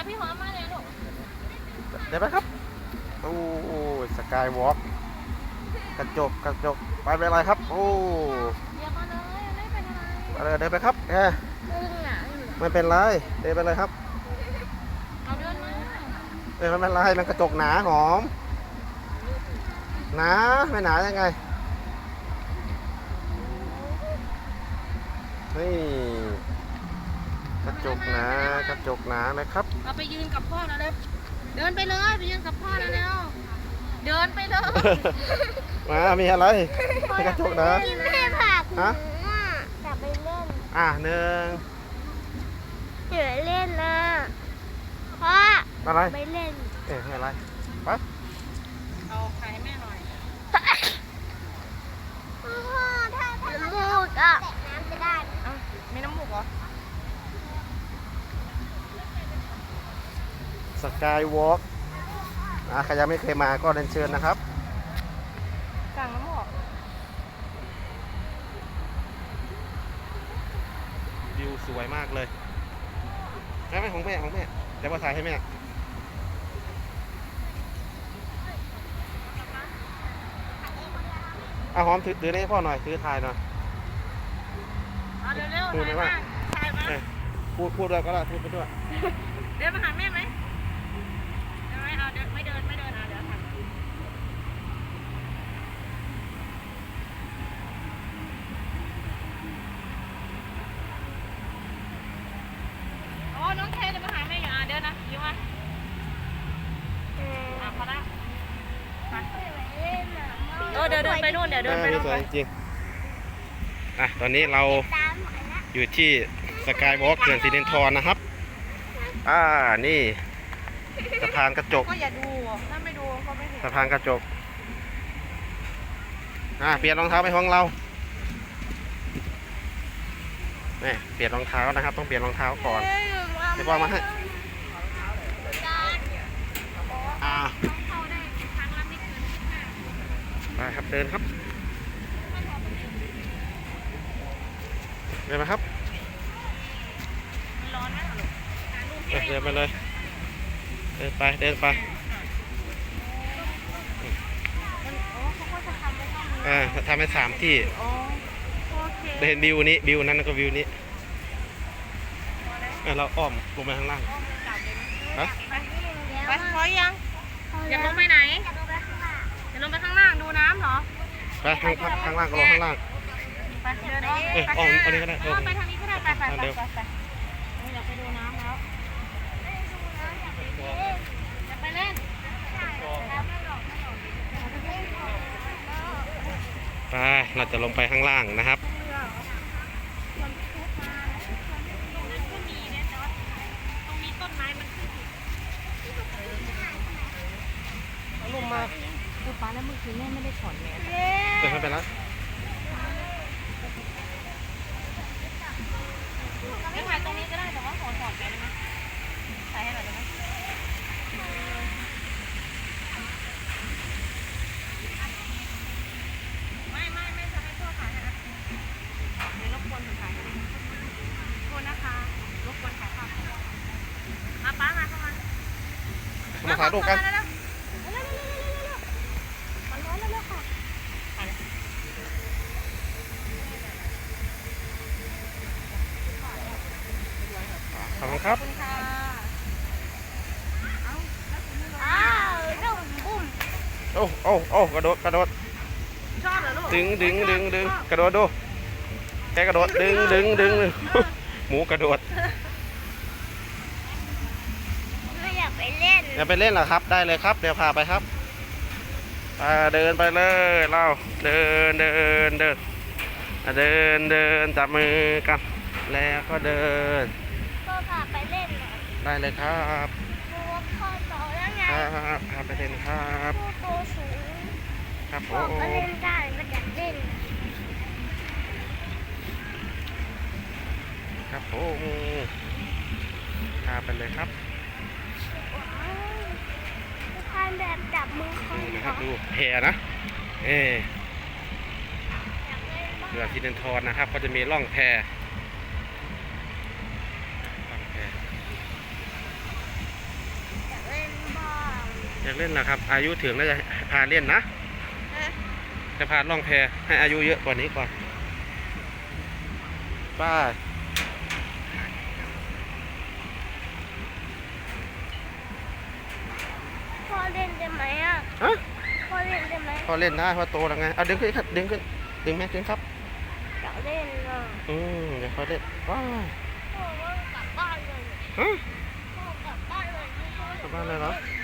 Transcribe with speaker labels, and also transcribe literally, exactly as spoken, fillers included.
Speaker 1: พี่หอมมาเลยลูก
Speaker 2: เดี๋ยวไปครับโอ้สกายวอล์กกระจกกระจกไปเป็นอะไรครับโอ้
Speaker 1: เดี๋ยวมาเลยไม่เป็นอะไร
Speaker 2: ไปเลยเดินไปครับแอร์ไม่เป็นไรเดินไปเลยครับ
Speaker 1: เอาเดินมา
Speaker 2: เดินไม่เป็นไรมันกระจกหนาหอมหนาไม่หนายังไงนี่กระจกหนากระจกหนาเลยครับ
Speaker 1: เราไปยืนกับพ่อแล้วเร็วเดินไปเลยไปยืนกับพ่อแล้วเร็วเดินไปเลย
Speaker 2: มามีอะไรกระจกหนา
Speaker 3: กินแม่ผัก
Speaker 2: ฮะ
Speaker 3: กลับไปเล่น
Speaker 2: อ่ะหนึ่ง
Speaker 3: เดี๋ยวเล่นนะพ่อ
Speaker 2: อะไร
Speaker 3: ไปเล่น
Speaker 2: เอ๊ะอะไรไป
Speaker 1: เอาไข่ให้แม่หน่อย
Speaker 3: พ่อถ้าถ้าน้ำมูกอ่ะแตะน้ำจะได้
Speaker 1: เอ้ามีน้ำมูกเหรอ
Speaker 2: สกายวอล์กอ่ะใครยังไม่เคยมาก็เรียนเชิญนะครับ
Speaker 1: สั่งน้ำมูก
Speaker 2: วิวสวยมากเลยใช่ไหมของแม่ของแม่เดี๋ยวมาถ่ายให้แม่เอาหอมถือถือให้พ่อหน่อยถือถ่ายหน่อย
Speaker 1: เอาเร็วๆถ่ายมาถ่ายมา
Speaker 2: พูดพูดด้วยก็ได้พูดไปด้วย
Speaker 1: เดินมาหาแม่ไหมเดินไม่เอาเดินไม่เดินไม่เดินเอาเดี๋ยวถ่ายโอ้น้องเคเดินมาหาแม่อยู่อ่ะเดินนะยิ้มมาอ่ะพอละไปเออเดินเดินไปนู่นเดี๋ยวเดินไปนู่น
Speaker 2: สวยจริงอ่ะตอนนี้เราอยู่ที่สกายวอล์กเขื่อนสิรินธรนะครับอ่านี่สะพานกระจก
Speaker 1: ก็อย่าดูถ้าไม่ดูก็ไม่เห็น
Speaker 2: สะพานกระจกอ่าเปลี่ยนรองเท้าไปห้องเราเนี่ยเปลี่ยนรองเท้านะครับต้องเปลี่ยนรองเท้าก่อนเดี๋ยวพ่อมาให้อ่าไปครับเดินครับเดินมาครับ
Speaker 1: ร้อนไหมล่ะลูก
Speaker 2: เดินไปเลยเดินไปเดินไปอ่าทำให้สามที่เห็นวิวนี้วิวนั้นก็วิวนี้เราอ้อมลงไปข้างล่างฮะ
Speaker 1: ไปพอยังอย่าลงไปไหนอย่าลงไปข้างล่างดูน้ำเหรอ
Speaker 2: ไปข้างข้างล่างก็ลงข้างล่าง
Speaker 1: ไปเดินอ้อม
Speaker 2: เอออ้อมอันนี้ก็ได้
Speaker 1: เออไปทางนี้ก็ได้ไปไปไปไปอยากไปดูน้ำแล้วอยากไปเล่น
Speaker 2: ไปเราจะลงไปข้างล่างนะครับ
Speaker 1: ลงมาคือป้าแล้วเมื่อคืนแม่ไม่ได้ถอดแมส
Speaker 2: เดินไม่เป็นไร
Speaker 1: ไม่ถ่ายตรงนี้ก็ได้แต่ว่าขอถอดแมสได้ไหมถ่ายให้หน่อยได้ไหมไม่ไม่ไม่จะให้พ่อถ่ายให้นะเดี๋ยวรบกวนผมถ่ายให้โทษนะคะรบกวนถ่ายภาพมาป้ามาเข้ามา
Speaker 2: มาถ่ายรูปกันขอบคุณครับ
Speaker 3: อ้าวเริ่มบุ้ม
Speaker 2: โอ้โอ้โอ้กระโดดกระโดด
Speaker 1: ชอบเหรอลูก
Speaker 2: ดึงดึงดึงดึงกระโดดดูแกกระโดดดึงดึงดึงหมูกระโดด
Speaker 3: ไม่อยากไปเล่น
Speaker 2: อยากไปเล่นเหรอครับได้เลยครับเดี๋ยวพาไปครับเดินไปเลยเราเดินเดินเดินเดินเดินจับมือกันแล้วก็เดิน
Speaker 3: พ่อพาไปเล่น
Speaker 2: ได้เลยครับ
Speaker 3: พ่อโตแล้วไง
Speaker 2: ครับพาไปเล่นครับ
Speaker 3: พ่อโตสูง
Speaker 2: ครับผ
Speaker 3: พ่อ
Speaker 2: ม
Speaker 3: ก็เล่นได้ก็อยากเล่น
Speaker 2: ครับผมพาไปเลยครับ
Speaker 3: ทานแบบจับมือเขา
Speaker 2: นะครับดูแพนะเอเรือสิรินธรนะครับก็จะมีร่องแพ ไปอยากเล่นนะครับ อายุถึงแล้วจะพาเล่นนะ
Speaker 1: ฮะ
Speaker 2: จะพาล่องแพให้อายุเยอะกว่านี้ก่อนป้า
Speaker 3: พ่อเล่นได้ไหมอ่ะ
Speaker 2: ฮะ
Speaker 3: พ่อเล่นได้ไหม
Speaker 2: พอเล่นได้พอโตแล้วไงเอาดึงขึ้นครับดึงขึ้นดึงแม่ดึงครับ
Speaker 3: อยากเล่นอ่ะ
Speaker 2: อืมเดี๋ยวเขาเล่นว้าว
Speaker 3: พ่อว่ากลับบ้านเลย
Speaker 2: ฮะ
Speaker 3: พ่อกลับบ้านเลยไม่พ่อก
Speaker 2: ลับบ้านเลยเหรอ
Speaker 3: เล่น